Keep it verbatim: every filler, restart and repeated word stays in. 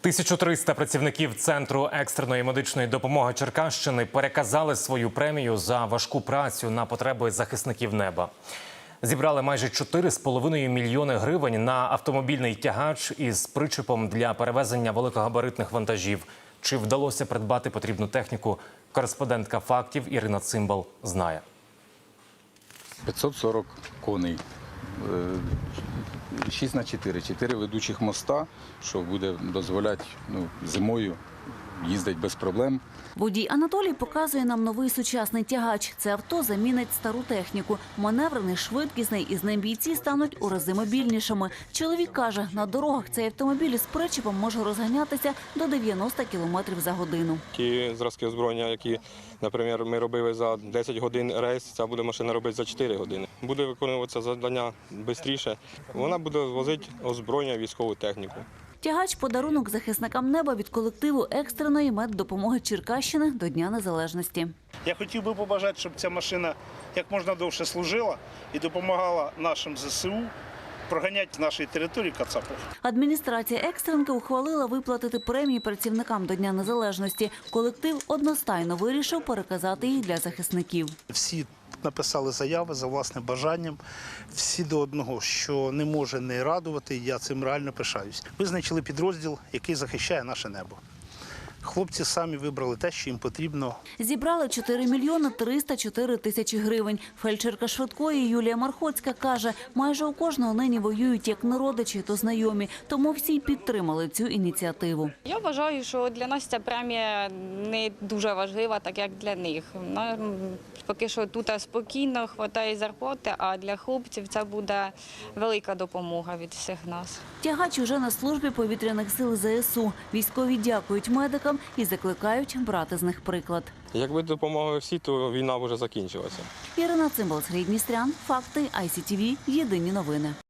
тисяча триста працівників Центру екстреної медичної допомоги Черкащини переказали свою премію за важку працю на потреби захисників неба. Зібрали майже чотири з половиною мільйони гривень на автомобільний тягач із причепом для перевезення великогабаритних вантажів. Чи вдалося придбати потрібну техніку, кореспондентка «Фактів» Ірина Цимбал знає. п'ятсот сорок коней, шість на чотири, чотири ведучих моста, що буде дозволяти ну, зимою їздити без проблем. Водій Анатолій показує нам новий сучасний тягач. Це авто замінить стару техніку. Маневрений, швидкісний, і з ним бійці стануть у рази мобільнішими. Чоловік каже, на дорогах цей автомобіль із причепом може розганятися до дев'яноста кілометрів за годину. Ті зразки озброєння, які, наприклад, ми робили за десять годин рейс, ця буде машина робити за чотири години. Буде виконуватися завдання швидше. Вона буде возити озброєння, військову техніку. Тягач – подарунок захисникам неба від колективу екстреної меддопомоги Черкащини до Дня Незалежності. Я хотів би побажати, щоб ця машина як можна довше служила і допомагала нашим ЗСУ проганяти з нашої території кацапів. Адміністрація екстренки ухвалила виплатити премії працівникам до Дня Незалежності. Колектив одностайно вирішив переказати їх для захисників. Всі написали заяви за власним бажанням, всі до одного, що не може не радувати, я цим реально пишаюсь. Визначили підрозділ, який захищає наше небо. Хлопці самі вибрали те, що їм потрібно. Зібрали чотири мільйони триста чотири тисячі гривень. Фельдшерка швидкої Юлія Мархоцька каже, майже у кожного нині воюють як не родичі, то знайомі. Тому всі підтримали цю ініціативу. Я вважаю, що для нас ця премія не дуже важлива, так як для них. Поки що тут спокійно, вистачає зарплати, а для хлопців це буде велика допомога від всіх нас. Тягач уже на службі повітряних сил ЗСУ. Військові дякують медикам і закликають брати з них приклад. Якби допомогли всі, то війна вже закінчилася. Ірина Цимбал, Сергій Дністрян, «Факти», ай сі ті ві, єдині новини.